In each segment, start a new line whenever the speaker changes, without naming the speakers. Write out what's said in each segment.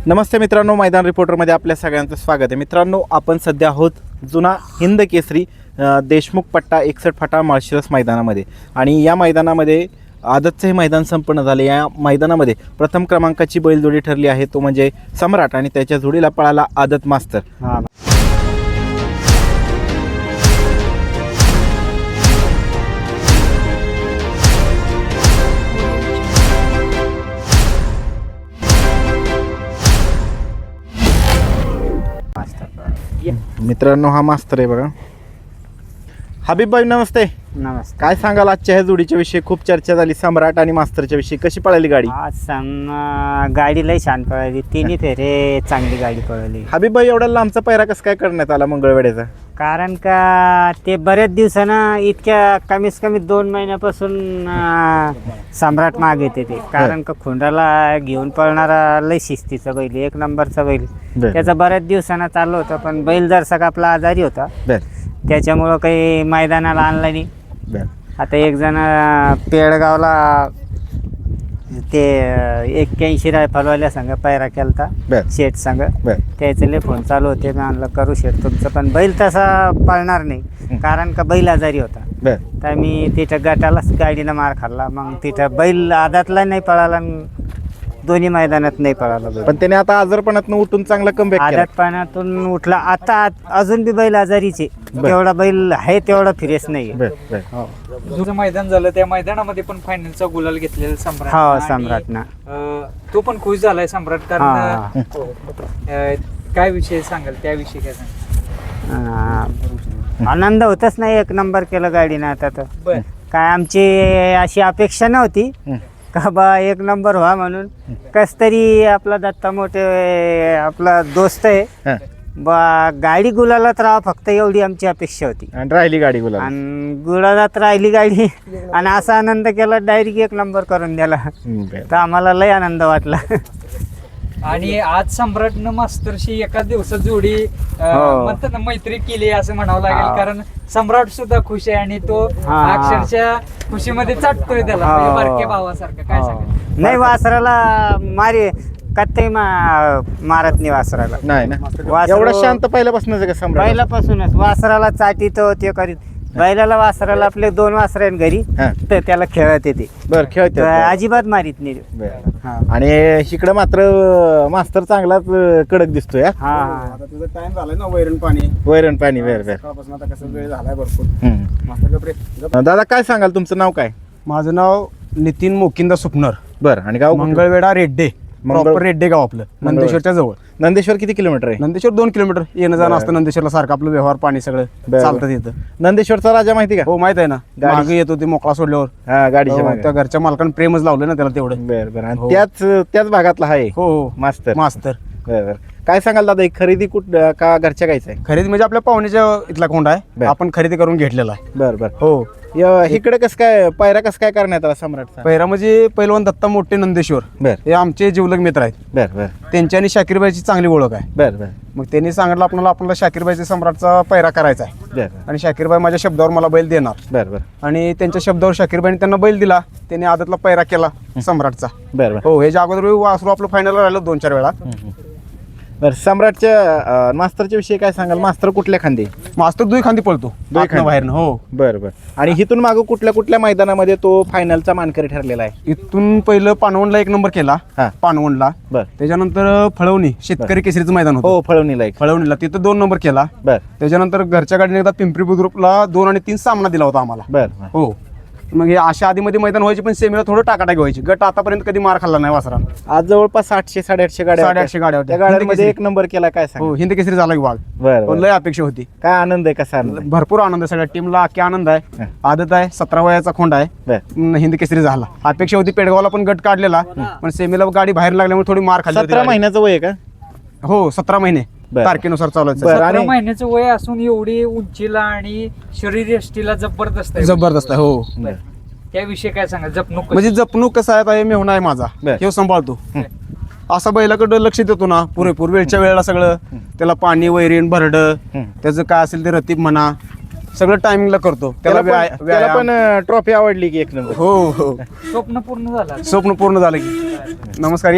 नमस्ते मित्रांनो, मैदान रिपोर्टरमध्ये आपल्या सगळ्यांचं स्वागत आहे. मित्रांनो, आपण सध्या आहोत जुना हिंद केसरी देशमुख पट्टा 61 फाटा माळशिरस मैदानामध्ये. आणि या मैदानामध्ये आदतचं हे मैदान संपन्न झाले. या मैदानामध्ये प्रथम क्रमांकाची बैलजोडी ठरली आहे, तो म्हणजे सम्राट आणि त्याच्या जोडीला पळाला आदत मास्तर. मित्रांनो, हा मास्तर आहे बघा. हबीब भाई नमस्ते.
नमस्कार.
काय सांगाल आजच्या ह्या जोडीच्या विषयी? खूप चर्चा झाली सम्राट आणि मास्तरच्या विषयी. कशी पळाली गाडी?
आज गाडी लई छान पळाली, तिन्ही फेरे चांगली गाडी पळवली.
हबीब भाई, एवढा लांबचा पैरा कसं काय करण्यात आला मंगळवेड्याचा?
कारण का ते बऱ्याच दिवसानं इतक्या कमीत कमी 2 महिन्यापासून सम्राट माग येते ते. कारण का खुंडाला घेऊन पळणारा लई शिस्तीचा बैल, 1 नंबरचा बैल. त्याचा बऱ्याच दिवसानं चालू होता, पण बैल जरसा का आपला आजारी होता, त्याच्यामुळं काही मैदानाला आणला नाही. आता एक जण पेडगावला ते 81 रायफलवाल्या संघ पैरा केलता, शेठ संघ. त्याचे लय फोन चालू होते, मी आणलं करू शेठ तुमचं, पण बैल तसा पळणार नाही कारण का बैल आजारी होता. तर मी तिथं गटालाच गाडीनं मार खाल्ला. मग तिथं बैल आदातला नाही पळाला, दोन्ही मैदानात नाही पळाला.
पण त्याने आता आजारपणातून उठून चांगला कमबॅक केला.
आदातपणातून उठला. आता अजून बी बैल आजारीचे, तेवढा बैल आहे तेवढा फिरेस नाही.
तुझं मैदान झालं, त्या मैदानामध्ये पण फायनलचा गुलाल घेतलेला सम्राट.
हो, सम्राटना
तो पण खुश झालाय सम्राट. कारण काय विषय सांगाल त्याविषयी? काय सांगाल?
आनंद होतच नाही, 1 नंबर केलं गाडीनं. आता तर काय आमची अशी अपेक्षा नव्हती का बा 1 नंबर व्हा म्हणून. कस तरी आपला दत्ता मोठे आपला दोस्त आहे बा, गाडी गुलालात राहा फक्त, एवढी आमची अपेक्षा होती.
आणि राहिली गाडी गुलाल,
आणि गुलालात राहिली गाडी. आणि असा आनंद केला, डायरेक्ट 1 नंबर करून दिला. तर आम्हाला लय आनंद वाटला.
आणि आज सम्राटनं मास्तरशी एका दिवसात जोडी म्हणतात ना, मैत्री केली असं म्हणावं लागेल. कारण सम्राट सुद्धा खुश आहे आणि तो अक्षरशः खुशीमध्ये चाटतोय त्याला, म्हणजे बारक्या भावासारखं. काय सांगाल?
नाही, वासराला कत्ते मारत नाही वासराला.
नाही ना, एवढा शांत पहिल्यापासूनच आहे का सम्राट?
पहिल्यापासूनच वासराला चाटीतो ते करीत. बैलाला वासराला आपले 2 वासर आहेत घरी, तर त्याला खेळत येते.
बरं, खेळते
अजिबात मारित नाही.
आणि इकडे मात्र मास्तर चांगलाच कडक दिसतोय.
आता तुझा टाइम झालाय ना, वैरण पाणी सकाळपासून आता कसं वेळ झालाय भरपूर.
दादा, काय सांगाल? तुमचं नाव काय?
माझं नाव नितीन मोकिंदा सुपनर.
बरं. आणि गाव?
मंगळवेढा रेड्डे. प्रॉपर रेड्डे गाव आपलं, नंदेश्वरच्या जवळ.
नंदेश्वर किती किलोमीटर आहे?
नंदेश्वर 2 किलोमीटर येणं जाणं असतं. नंदेश्वरला सारखं आपलं व्यवहार पाणी सगळं चालतं तिथं.
नंदेश्वरचा राजा माहिती का?
हो, माहित आहे ना. मागे येतो ते मोकळा सोडल्यावर.
गाडीच्या
त्या घरच्या मालकानं प्रेमच लावलं ना त्याला तेवढं.
बरं. आणि त्याच भागातला आहे.
हो,
मास्तर. बरं. काय सांगाल दादा, एक खरेदी का घरच्या गायचं आहे?
खरेदी म्हणजे आपल्या पाहुण्याच्या इथला कोंडा आहे, आपण खरेदी करून घेतलेला आहे.
बरं.
हो.
इकडे कसं काय पैरा कसं काय करण्यात आला सम्राटचा?
पैरा म्हणजे पैलवान दत्ता मोठे नंदेश्वर, हे आमचे जिवलग मित्र आहेत.
बरं.
त्यांच्या आणि शाकीरबाईची चांगली ओळख आहे.
बरं.
मग त्यांनी सांगितलं आपल्याला शाकीरबाईच्या सम्राटचा पैरा करायचा आहे. आणि शाकीरबाई माझ्या शब्दावर मला बैल देणार.
बरं.
आणि त्यांच्या शब्दावर शाकीरबाईने त्यांना बैल दिला. त्यांनी आदतला पैरा केला सम्राटचा.
बरं.
हो, ह्याच्या अगोदर वासरू आपलं फायनल राहिलं 2-4 वेळा.
बरं. सम्राटच्या मास्तरच्या विषयी काय सांगाल? मास्तर कुठल्या खांदी?
मास्तर 2 खांदी पळतो, बाहेरनं. हो.
बरं. आणि इथून मागं कुठल्या मैदानामध्ये तो फायनलचा मानकरी ठरलेला आहे?
इथून पहिलं पानवणला 1 नंबर केला. पानवणला. त्याच्यानंतर फळवणी शेतकरी केसरीचं मैदान होतं.
हो, फळवणीला
तिथं 2 नंबर केला. त्याच्यानंतर घरच्या गाडीने एकदा पिंपरी बुद्रुकला 2 आणि 3 सामना दिला होता आम्हाला.
बरं.
हो. मग हे अशा आधीमध्ये मैदान व्हायचे, पण सेमीला थोडं टाकाटाकी व्हायची. गट आतापर्यंत कधी मार खाल्ला नाही वासरा.
आज जवळपास 800-850 गाड्या
850 गाड्या
होत्या. त्या गाड्यांमध्ये 1 नंबर केला. काय सांग?
हो, हिंद केसरी झाला विभाग.
बरं.
लय अपेक्षा होती.
काय आनंद आहे? कसा आनंद?
भरपूर आनंद आहे. सगळ्या टीमला अख्खी आनंद आहे. आदत आहे, 17 वयाचा खोंड आहे. हिंद केसरी झाला. अपेक्षा होती. पेडगावला पण गट काढलेला, पण सेमीला गाडी बाहेर लागल्यामुळे थोडी मार खाल्ली.
17 महिन्याचं वय आहे का?
हो, 17 महिने तारखेनुसार चालू आहे.
17 महिन्याचं वय असून एवढी उंचीला आणि शरीरयष्टीला जबरदस्त आहे.
हो.
त्याविषयी काय सांगा? जपणूक
म्हणजे जपणूक कसं आहे, मेहुणा आहे माझा, हे सांभाळतो. असा बैलाकडे लक्ष देतो ना पुरेपूर, वेळच्या वेळेला सगळं त्याला पाणी, वैरीण, भरड, त्याचं काय असेल ते रतीब म्हणा, सगळं टायमिंगला करतो.
त्याला पण ट्रॉफी आवडली की 1 नंबर?
हो.
स्वप्न पूर्ण झालं.
स्वप्न पूर्ण झालं की. नमस्कार, या.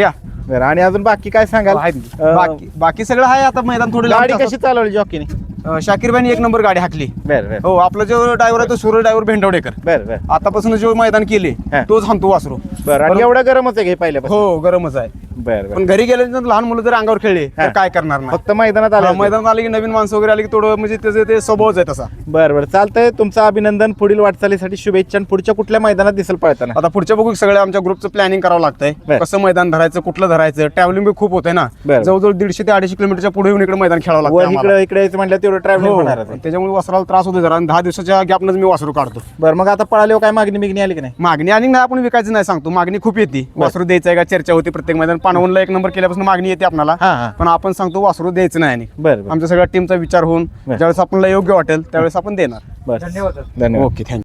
बरं आणि अजून बाकी काय सांगाल
बाकी सगळं आहे. आता मैदान थोडी
गाडी कशी चालवली जॉकीने?
शाकीरबाईने एक नंबर गाडी हाकली.
बरं बरं
हो, आपला जो ड्रायव्हर आहे तो सूर्य ड्रायव्हर भेंडवडेकर.
बरं बरं
आतापासून जो मैदान केले
हा.
तोच हाणतो वासरू.
बरं आणि एवढं गरमच आहे घे पहिल्यापासून?
हो, गरमच आहे.
बरं बरं
पण घरी गेल्यानंतर लहान मुलं जर अंगावर खेळले
हा.
तर काय करणार नाही.
फक्त मैदानात आलं?
मैदानात आले की नवीन माणसं वगैरे आली की थोडं म्हणजे त्याचं ते स्वभावच आहे तसा.
बरं बरं चालतंय. तुमचं अभिनंदन. पुढील वाटचालीसाठी शुभेच्छा. आणि पुढच्या कुठल्या मैदानात दिसेल पळताना?
आता पुढच्या बघू सगळ्या आमच्या ग्रुपचं प्लॅनिंग करावं लागतंय.
बरं.
कसं मैदान धरायचं, कुठलं धरायचं. ट्रॅव्हलिंग बी खूप होतंय ना.
बरं.
जवळजवळ 150 ते 250 किलोमीटरच्या पुढे येऊन इकडे मैदान खेळावं
वर
लागतं.
इकडे इकडे यायचं म्हटलं तेवढं ट्रॅव्हलिंग होणार आहे.
त्याच्यामुळे वासराला त्रास होतो जरा. आणि 10 दिवसाच्या गॅपनच मी वासरू काढतो.
बरं मग आता पळाल्यावर काय मागणी बिगणी आली की नाही?
मागणी आणि नाही आपण विकायचं नाही सांगतो. मागणी खूप येते. वासरू द्यायचं आहे का चर्चा होती प्रत्येक मैदान. पानवणला 1 नंबर केल्यापासून मागणी येते आपल्याला.
हा हा
पण आपण सांगतो वासरू द्यायचं नाही. आणि
बरं बरं
आमच्या सगळ्या टीमचा विचार होऊन
बरं.
ज्यावेळेस आपल्याला योग्य वाटेल त्यावेळेस आपण देणार.
बरं
धन्यवाद.
धन्यवाद.
Okay, thank you.